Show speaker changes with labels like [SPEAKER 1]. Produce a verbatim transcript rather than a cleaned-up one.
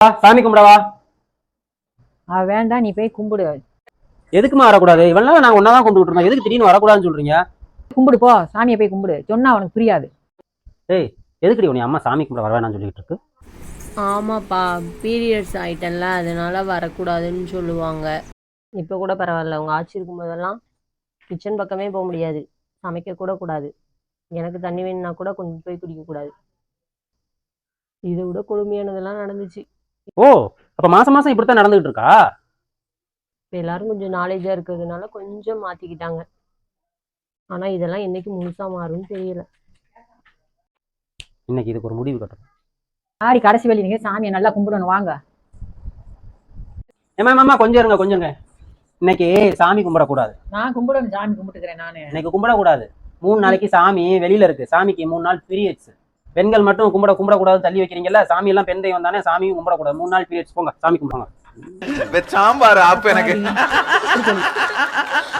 [SPEAKER 1] சாமி கும்பிடவா.
[SPEAKER 2] வேண்டாம், நீ போய் கும்பிடு.
[SPEAKER 1] எதுக்குமா வரக்கூடாது? இவ்வளவு நாள் நாங்க ஒன்னாதான் கும்பிட்டு இருந்தோம், எதுக்கு திடீர்னு வரக்கூடாதுன்னு சொல்றீங்க?
[SPEAKER 2] கும்பிடு போ, சாமியை போய் கும்பிடு. சொன்னா அவனுக்கு புரியாது.
[SPEAKER 1] ஏய், எதுக்குடி உன்னை அம்மா சாமி கும்பிட வரவேணான்னு சொல்லிட்டு இருக்கு?
[SPEAKER 3] ஆமாப்பா, பீரியட்ஸ் ஆயிட்டல்ல, அதனால வரக்கூடாதுன்னு சொல்லுவாங்க. இப்போ கூட பரவாயில்ல, உங்கள் ஆட்சி இருக்கும்போதெல்லாம் கிச்சன் பக்கமே போக முடியாது, சமைக்க கூட கூடாது. எனக்கு தண்ணி வேணும்னா கூட கொண்டு போய் குடிக்கக்கூடாது. இதை விட கொடுமையானதெல்லாம் நடந்துச்சு.
[SPEAKER 1] ஓ, அப்ப மாசம் மாசம் இப்படித்தான் நடந்துகிட்டு இருக்கா?
[SPEAKER 3] இப்போ எல்லாரும் கொஞ்சம் நாலேஜாக இருக்கிறதுனால கொஞ்சம் மாற்றிக்கிட்டாங்க. ஆனால் இதெல்லாம் என்னைக்கு முழுசா மாறும்னு தெரியல.
[SPEAKER 1] இன்னைக்கு இதுக்கு ஒரு முடிவு கட்டணும்.
[SPEAKER 2] ஆடி கடைசி வழி, நீங்க சாமியை நல்லா கும்பிடணும். வாங்க.
[SPEAKER 1] ஏமா மாமா கொஞ்சம் இருங்க கொஞ்சங்க. இன்னைக்கு சாமி கும்பிடக்கூடாது.
[SPEAKER 2] நான் கும்பிடணும், சாமி கும்பிட்டுக்கிறேன் நானு.
[SPEAKER 1] இன்னைக்கு கும்பிடக்கூடாது. மூணு நாளைக்கு சாமி வெளியில இருக்கு. சாமிக்கு மூணு நாள் பீரியட்ஸ். பெண்கள் மட்டும் கும்பிட கும்பிடக்கூடாது தள்ளி வைக்கிறீங்கல்ல. சாமி எல்லாம் பெண் தெய்வம் தானே, சாமியும் கும்பிடக்கூடாது. மூணு நாள் பீரியட்ஸ். போங்க சாமி கும்பிடுங்க.
[SPEAKER 4] சாம்பார் ஆப்பு எனக்கு